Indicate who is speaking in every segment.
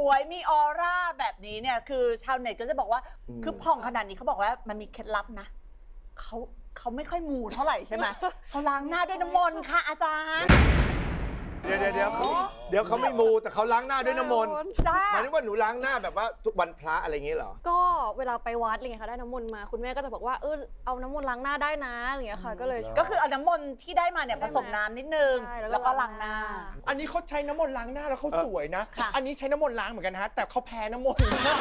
Speaker 1: วยมีออร่าแบบนี้เนี่ยคือชาวเน็ตก็จะบอกว่าคือผ่องขนาดนี้เขาบอกว่ามันมีเคล็ดลับนะเขาไม่ค่อยมูเท่าไหร่ใช่ไหมเขาล้างหน้าด้วยน้ำมนต์ค่ะอาจารย์
Speaker 2: เดี๋ยวเขาไม่มูแต่เขาล้างหน้าด้วยน้ำมนต์หมายถึงว่าหนูล้างหน้าแบบว่าทุกวันพระอะไรอย่างเงี้ยเหรอ
Speaker 3: ก็เวลาไปวัดอะไรเงี้ยค่ะได้น้ำมนต์มาคุณแม่ก็จะบอกว่าเอาน้ำมนต์ล้างหน้าได้นะอะไรเงี้ยค่ะก็เลย
Speaker 1: ก็คือเอาน้ำมนต์ที่ได้มาเนี่ยผสมน้ำนิดนึงแล้วก็ล้างหน้า
Speaker 4: อันนี้เขาใช้น้ำมนต์ล้างหน้าแล้วเขาสวยนะ อันนี้ใช้น้ำมนต์ล้างเหมือนกันฮะแต่เขาแพ้น้ำมนต์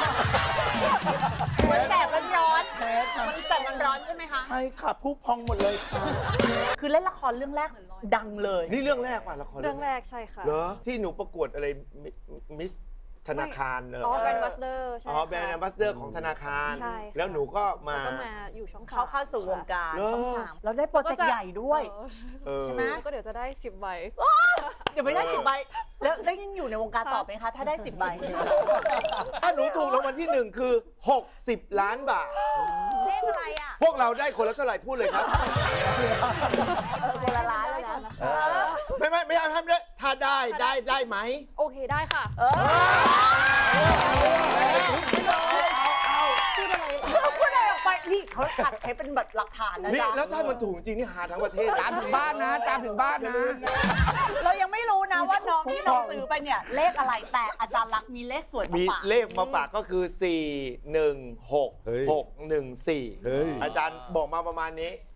Speaker 1: มันแสบมันร้อน
Speaker 5: มันแสบมันร้อนใช่ไหมคะ
Speaker 4: ใช่ค่ะผู้พองหมดเลยค่ะ
Speaker 1: คือเล่นละครเรื่องแรกดังเลย
Speaker 2: นี่เรื่องแรกป่ะละคร
Speaker 3: เรื่องแรกใช่ค่ะ
Speaker 2: เหรอที่หนูประกวดอะไรมิสธนาคารเนอะ
Speaker 3: แบรนด์บัสเดอร์ใช่
Speaker 2: อ๋อแบรนด์แอมบาสเดอร์ของธนาคาร
Speaker 3: ใช่
Speaker 2: แล้วหนูก็มา
Speaker 3: อยู่ช่อง3
Speaker 1: เข้าสู่วงการช่อง3แล้วได้โปรเจกต์ใหญ่ด้วยใช่ไหม
Speaker 3: ก็เดี๋ยวจะได้10 ใบ
Speaker 1: เดี๋ยวไม่ได้10 ใบแล้วได้ยังอยู่ในวงการต่อไหมคะถ้าได้10 ใบ
Speaker 2: ถ้าหนูถูกรางวัลที่1คือ60 ล้านบาท
Speaker 5: เลขอะไรอ่ะ
Speaker 2: พวกเราได้คนละเท่าไหร่พูดเลยครับ
Speaker 5: คนละล้านเลยนะ
Speaker 2: ไม่ได้ถ้าได้ไหม
Speaker 3: โอเคได้ค่ะ
Speaker 1: พูดอะไรออกไปนี่เขาอัดให้เป็นแบบหลักฐานนะ
Speaker 2: นี่
Speaker 1: จ๊ะ
Speaker 2: แล้วถ้ามันถูกจริงนี่หาทั้งประเทศ
Speaker 4: ตามถึงบ้านนะตามถึงบ้านนะ
Speaker 1: เรายังไม่รู้นะว่าน้องที่น้องซื้อไปเนี่ยเลขอะไรแต่อาจารย์ลักษณ์มีเลขสวยมา
Speaker 2: มี
Speaker 1: ฝาก
Speaker 2: เลขมาฝากก็คือ 4 1 6 6 1 4 อาจารย์บอกมาประมาณนี้